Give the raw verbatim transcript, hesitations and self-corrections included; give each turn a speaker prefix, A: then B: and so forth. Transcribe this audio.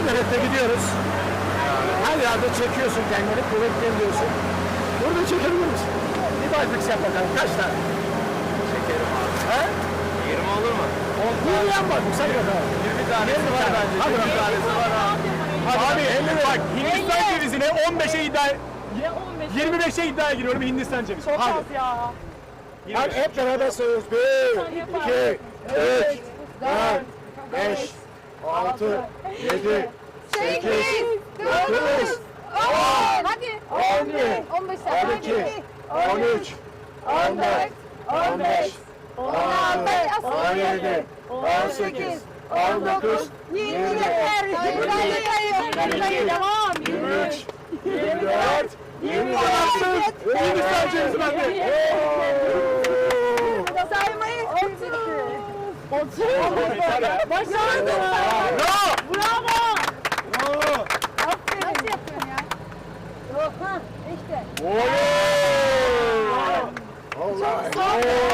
A: Everest'e gidiyoruz. Her yerde çekiyorsun kendini, kuvvetleniyorsun. Burada çekebilir misin? Bir biceps yap bakalım, kaç tane?
B: Çekerim abi.
A: He?
B: yirmi olur mu?
A: yirmi yap bak, say bakalım.
B: yirmi tanesi
A: yirmi
B: var
A: tane.
B: bence.
A: Hadi
B: yirmi
A: bakalım.
B: tanesi var abi.
A: Abi elli bak, Hindistan
C: elli.
A: cevizine on beşe iddia,
C: Ya on beş.
A: yirmi beşe iddiaya giriyorum Hindistan cevizi.
C: Çok
A: Hadi.
C: az ya.
A: Hadi hep beraber sayıyoruz. Bir, iki, üç, dört, beş, altı, yedi, sekiz, dokuz,
D: on. Hadi.
A: on bir,
D: on beş.
A: on iki, on üç, on dört, on beş, on altı, on yedi, on sekiz, on dokuz, yirmi, yirmi iki,
C: Devam.
A: yirmi üç, yirmi dört, yirmi beş, Hindistan cevizi bende.
D: Saymayı
C: Başardın.
A: Bravo!
C: Bravo.
A: Bravo!
D: Nasıl yapıyorsun ya? Yok ha işte.
A: Oley! Olay!